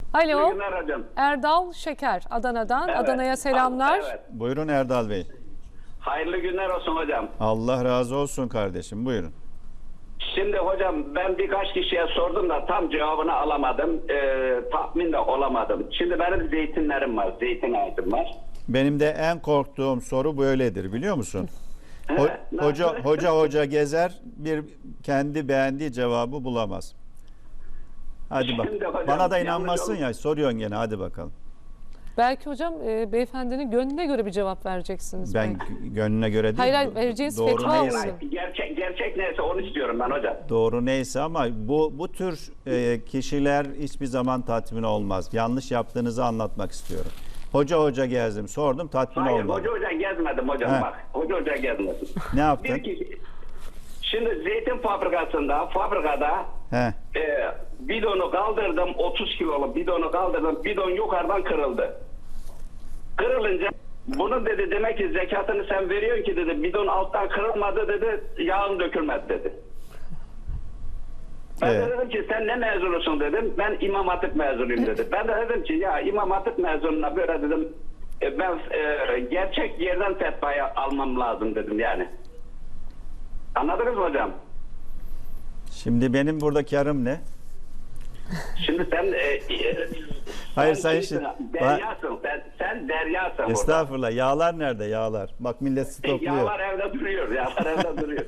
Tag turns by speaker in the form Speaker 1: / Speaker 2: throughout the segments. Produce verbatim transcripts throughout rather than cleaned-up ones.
Speaker 1: Alo.
Speaker 2: İyi günler hocam.
Speaker 1: Erdal Şeker Adana'dan.
Speaker 2: Evet.
Speaker 1: Adana'ya selamlar.
Speaker 2: Evet.
Speaker 3: Buyurun Erdal Bey.
Speaker 2: Hayırlı günler olsun hocam.
Speaker 3: Allah razı olsun kardeşim. Buyurun.
Speaker 2: Şimdi hocam ben birkaç kişiye sordum da tam cevabını alamadım. Ee, tahmin de olamadım. Şimdi benim zeytinlerim var. Zeytin ağacım var.
Speaker 3: Benim de en korktuğum soru böyledir biliyor musun? Ho-
Speaker 2: Evet,
Speaker 3: hoca
Speaker 2: nasıl?
Speaker 3: hoca hoca gezer, bir kendi beğendiği cevabı bulamaz. Hadi bak.
Speaker 2: Şimdi hocam,
Speaker 3: Bana da
Speaker 2: yanlış
Speaker 3: inanmazsın
Speaker 2: oldu.
Speaker 3: ya. Soruyorsun gene. Hadi bakalım.
Speaker 1: Belki hocam e, beyefendinin gönlüne göre bir cevap vereceksiniz.
Speaker 3: Ben
Speaker 1: belki.
Speaker 3: gö- gönlüne göre değil.
Speaker 1: Hayır, hayır,
Speaker 3: do-
Speaker 1: vereceğiniz
Speaker 3: doğru
Speaker 1: fetva
Speaker 3: neyse,
Speaker 1: olsun.
Speaker 2: Gerçek, gerçek neyse onu istiyorum ben hocam.
Speaker 3: doğru neyse ama bu bu tür e, kişiler hiçbir zaman tatmin olmaz. Yanlış yaptığınızı anlatmak istiyorum. Hoca hoca gezdim, sordum, tatmin
Speaker 2: Hayır
Speaker 3: olmadı.
Speaker 2: hoca hoca gezmedim hocam
Speaker 3: He.
Speaker 2: bak. Hoca hoca gezmedim.
Speaker 3: Ne yaptın?
Speaker 2: Bir kişi, şimdi zeytin fabrikasında, fabrikada
Speaker 3: He.
Speaker 2: e, bidonu kaldırdım, otuz kiloluk bidonu kaldırdım, bidon yukarıdan kırıldı. Kırılınca bunun dedi demek ki zekatını sen veriyorsun ki dedi, bidon alttan kırılmadı dedi, yağın dökülmedi dedi. Ben
Speaker 3: Evet.
Speaker 2: de dedim ki sen ne mezunusun dedim, ben İmam Hatip mezunuyum dedi. Ben de dedim ki ya İmam Hatip mezununa böyle dedim, e, ben e, gerçek yerden fetvayı almam lazım dedim yani. Anladınız mı hocam?
Speaker 3: Şimdi benim buradaki yarım ne?
Speaker 2: Şimdi sen e, e,
Speaker 3: Hayır,
Speaker 2: sen
Speaker 3: sayın
Speaker 2: kimsin?
Speaker 3: Şi-
Speaker 2: Deryasın. Sen, sen deryasın burada.
Speaker 3: Estağfurullah. Yağlar nerede? Yağlar. Bak millet stokluyor.
Speaker 2: Yağlar evde duruyor. Yağlar evde duruyor.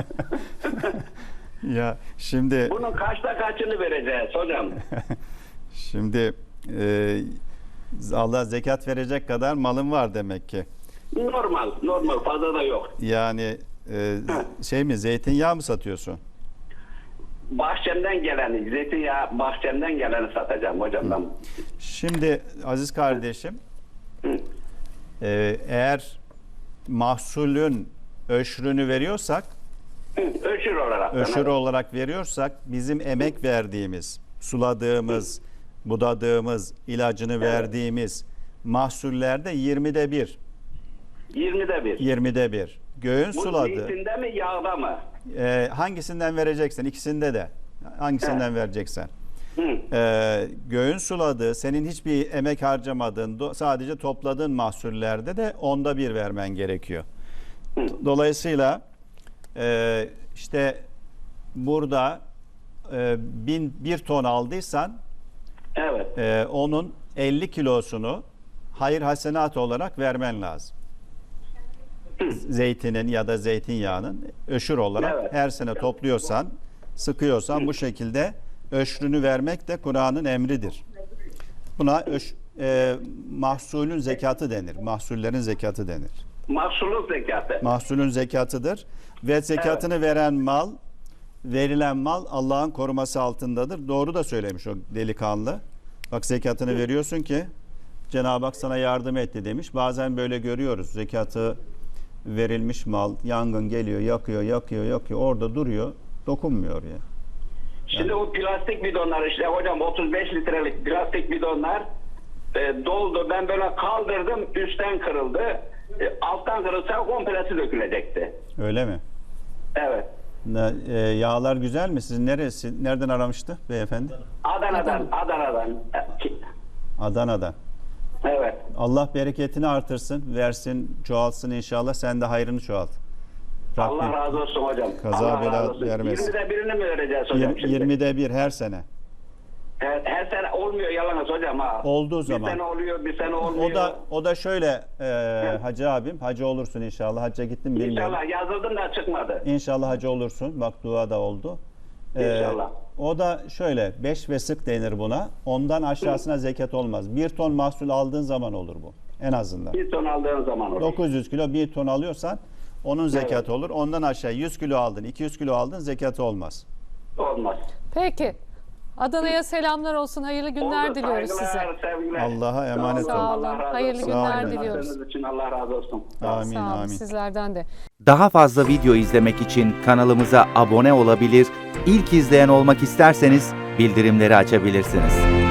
Speaker 3: Ya şimdi
Speaker 2: Bunun kaçta kaçını vereceğiz hocam?
Speaker 3: şimdi e, Allah zekat verecek kadar malın var demek ki.
Speaker 2: Normal. Normal. Fazla da yok.
Speaker 3: Yani e, şey mi, zeytinyağı mı satıyorsun?
Speaker 2: Bahçemden geleni, zeytinyağı bahçemden geleni satacağım hocam ben.
Speaker 3: Şimdi aziz kardeşim, e, eğer mahsulün öşrünü veriyorsak,
Speaker 2: Hı, Öşür olarak.
Speaker 3: öşür
Speaker 2: evet.
Speaker 3: olarak veriyorsak bizim emek verdiğimiz, suladığımız, budadığımız, ilacını verdiğimiz mahsullerde yirmide bir.
Speaker 2: yirmide bir.
Speaker 3: yirmide bir. Göğün
Speaker 2: Bu
Speaker 3: suladı.
Speaker 2: zeytinde mi yağda mı?
Speaker 3: Ee, hangisinden vereceksen, ikisinde de. Hangisinden vereceksen.
Speaker 2: Hı.
Speaker 3: Ee, göğün suladığı, senin hiçbir emek harcamadığın, do- sadece topladığın mahsullerde de onda bir vermen gerekiyor. Dolayısıyla e, işte burada e, bin, bir ton aldıysan
Speaker 2: Evet.
Speaker 3: e, onun elli kilosunu hayır hasenat olarak vermen lazım. Zeytinin ya da zeytinyağının öşür olarak
Speaker 2: Evet.
Speaker 3: her sene topluyorsan, sıkıyorsan bu şekilde öşrünü vermek de Kur'an'ın emridir. Buna öş, e, mahsulün zekatı denir. Mahsullerin zekatı denir.
Speaker 2: Mahsulun zekatı.
Speaker 3: Mahsulün zekatıdır ve zekatını veren mal, verilen mal Allah'ın koruması altındadır. Doğru da söylemiş o delikanlı. Bak zekatını veriyorsun ki Cenab-ı Hak sana yardım etti demiş. Bazen böyle görüyoruz. Zekatı verilmiş mal, yangın geliyor, yakıyor, yakıyor, yakıyor. Orada duruyor, dokunmuyor ya.
Speaker 2: Şimdi o plastik bidonlar işte hocam otuz beş litrelik plastik bidonlar e, doldu. Ben böyle kaldırdım, üstten kırıldı. E, alttan kırılsa komplesi dökülecekti.
Speaker 3: Öyle mi?
Speaker 2: Evet.
Speaker 3: Ne, e, yağlar güzel mi? Sizin neresi? Nereden aramıştı beyefendi?
Speaker 2: Adana'dan, Adana'dan. E,
Speaker 3: Adana'dan.
Speaker 2: Evet.
Speaker 3: Allah bereketini artırsın, versin, çoğalsın inşallah. Sen de hayrını çoğalt.
Speaker 2: Allah
Speaker 3: Rabbim
Speaker 2: razı olsun hocam.
Speaker 3: kaza
Speaker 2: Allah
Speaker 3: bela
Speaker 2: razı olsun.
Speaker 3: vermesin.
Speaker 2: yirmide birini mi vereceğiz hocam
Speaker 3: yirmi-
Speaker 2: şimdi?
Speaker 3: yirmide bir her sene.
Speaker 2: Her, her sene olmuyor yalnız hocam ha.
Speaker 3: Olduğu
Speaker 2: Bir
Speaker 3: zaman.
Speaker 2: sene oluyor, bir sene olmuyor.
Speaker 3: O da o da şöyle e, hacı abim, hacı olursun inşallah. Hacca gittim bilmiyorum.
Speaker 2: İnşallah yazıldım da çıkmadı.
Speaker 3: İnşallah hacı olursun. Bak dua da oldu. E,
Speaker 2: İnşallah.
Speaker 3: O da şöyle beş vesık denir buna. Ondan aşağısına zekat olmaz. Bir ton mahsul aldığın zaman olur bu. En azından.
Speaker 2: Bir ton aldığın zaman olur.
Speaker 3: dokuz yüz kilo bir ton alıyorsan onun zekatı
Speaker 2: Evet.
Speaker 3: olur. Ondan aşağı yüz kilo aldın, iki yüz kilo aldın zekatı olmaz.
Speaker 2: Olmaz.
Speaker 1: Peki. Adana'ya selamlar olsun. Hayırlı günler
Speaker 2: Oldu,
Speaker 1: diliyoruz size.
Speaker 2: saygılar, sevgiler.
Speaker 3: Allah'a emanet
Speaker 1: Sağ
Speaker 3: olun.
Speaker 1: olun.
Speaker 2: Allah razı
Speaker 1: Hayırlı
Speaker 2: olsun.
Speaker 1: günler
Speaker 2: Sağ olun.
Speaker 1: diliyoruz.
Speaker 2: Yaptığınız için Allah razı olsun.
Speaker 3: Amin
Speaker 1: Sağ olun
Speaker 3: amin.
Speaker 1: sizlerden de.
Speaker 4: Daha fazla video izlemek için kanalımıza abone olabilir, ilk izleyen olmak isterseniz bildirimleri açabilirsiniz.